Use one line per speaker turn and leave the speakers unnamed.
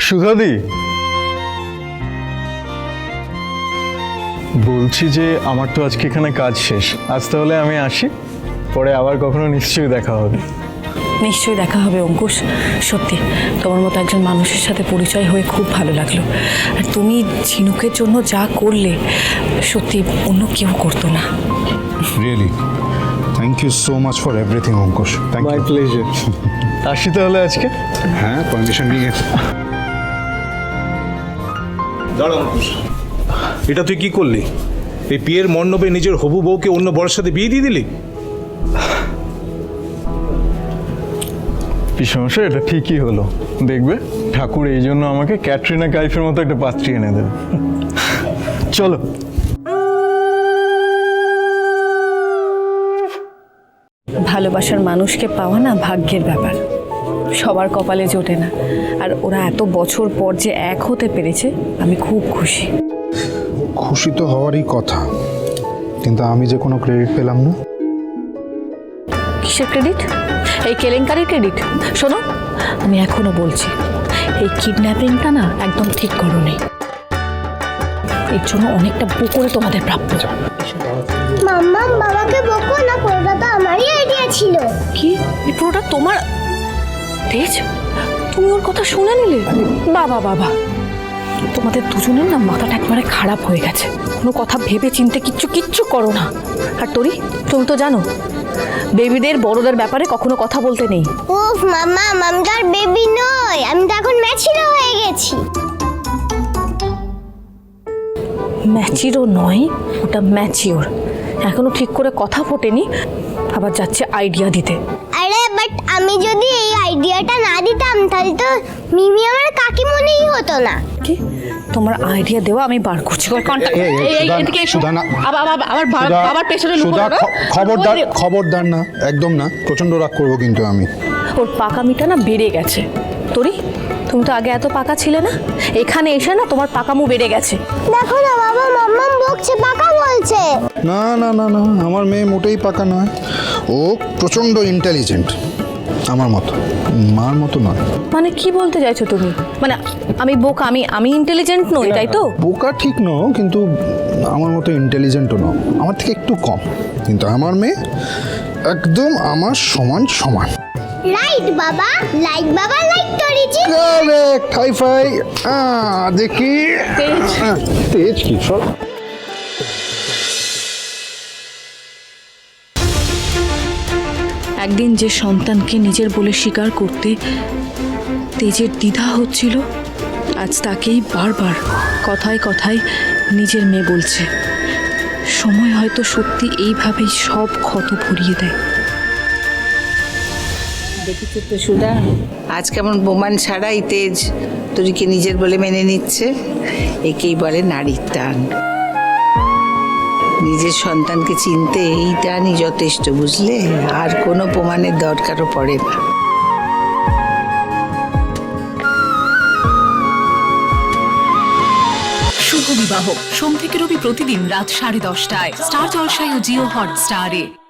সুধাদি, বলছি যে আমার তো আজকে এখানে কাজ শেষ, আজ তাহলে আমি আসি, পরে আবার কখনো নিশ্চয়ই দেখা হবে।
নিশ্চয়ই দেখা হবে অঙ্কুশ। সত্যি তোমার মতো একজন মানুষের সাথে পরিচয় হয়ে খুব ভালো লাগলো। আর তুমি ঝিনুকের জন্য যা করলে সত্যি অন্য কেউ করতো না।
Really thank you so much for everything Ankush. Thank
my
you.
Pleasure. আসি তাহলে আজকে।
হ্যাঁ, পারমিশন নিয়ে
দাঁড়া অঙ্কুশ, এটা তুই কি করলি? এই বিয়ের মণ্ডপে নিজের হবু বউকে অন্য বরের সাথে বিয়ে দিয়ে দিলি?
পিসমশাই, এটা ঠিকই হলো। দেখবে ঠাকুর এই জন্য আমাকে ক্যাটরিনা কাইফের মতো একটা পাত্রী এনে দেবে। চলো।
ভালোবাসার মানুষকে পাওয়া না ভাগ্যের ব্যাপার, সবার কপালে জোটে না। আর ওরা এত বছর পর যে এক হতে পেরেছে, আমি খুব খুশি।
খুশি তো হওয়ারই কথা, কিন্তু আমি যে কোনো ক্রেডিট পেলাম না।
কিসের ক্রেডিট? এই কেলেঙ্কারির ক্রেডিট? শোনো, আমি এখনো বলছি, এই কিডন্যাপিংটা না একদম ঠিক করোনি। এর জন্য অনেকটা পুকুরে তোমাদের প্রাপ্য।
মাম্মা বাবাকে বকো না, পুরোটা তো আমারই আইডিয়া ছিল।
কি এই পুরোটা তোমার? তেজ, তুমি ওর কথা শুনে নিলে? বাবা বাবা, তোমাদের দুজনের না মাথাটা একবারে খারাপ হয়ে গেছে। কোনো কথা ভেবে চিনতে কিচ্ছু করো না। আর তুমি তো জানো বেবিদের বড়দের ব্যাপারে কখনো কথা বলতে নেই।
উফ মাম্মা, মামদার বেবি নয়, আমি তো এখন ম্যাচিরো হয়ে গেছি।
ম্যাচিরও নয়, ওটা ম্যাচিওর। এখনো ঠিক করে কথা ফোটেনি, আবার যাচ্ছে আইডিয়া দিতে।
আরে বাট আমি যদি এই আইডিয়াটা না দিতাম তাহলে তো মিমি আমার কাকিমণিই হতো না।
কি তোমার আইডিয়া দেওয়া আমি বার করছি। আবার পেছনে
খবরদার না, একদম না, প্রচন্ড রাগ করবো কিন্তু আমি।
ওর পাকামিটা না বেড়ে গেছে। তুমি তো আগে এত পাকা ছিলে না, এখানে এসে না তোমার পাকামু বেড়ে গেছে।
দেখো না বাবা, মাম্মা বকছে, পাকা বলছে।
না না না না, আমার মেয়ে মোটেই পাকা নয়, ও প্রচন্ড ইন্টেলিজেন্ট, আমার মতো, মার মতো নয়।
মানে কি বলতে চাইছো তুমি? মানে আমি বোকা, আমি ইন্টেলিজেন্ট নই, তাই তো?
বোকা ঠিক নও, কিন্তু আমার মতো ইন্টেলিজেন্টও নও, আমার থেকে একটু কম, কিন্তু আমার মেয়ে একদম আমার সমান।
রাইট বাবা, লাইক বাবা, লাইক করেছি।
Correct, high five. দেখি তেজ কি সব।
একদিন যে সন্তানকে নিজের বলে স্বীকার করতে তেজের দ্বিধা হচ্ছিল, আজ তাকেই বারবার কথায় কথায় নিজের মেয়ে বলছে। সময় হয়তো সত্যি এইভাবেই সব ক্ষত ভরিয়ে দেয়।
দেখেছো তো সুধা, আজ কেমন প্রমাণ ছাড়াই তেজ তোরিকে নিজের বলে মেনে নিচ্ছে। একেই বলে নারীর টান। নিজের সন্তানকে চিনতে এই টানই যথেষ্ট, বুঝলে? আর কোনো প্রমাণের দরকারও পড়ে না।
শুভ বিবাহ সোম থেকে রবি প্রতিদিন রাত 10:30টায় স্টার জলসায় ও জিও হটস্টারে।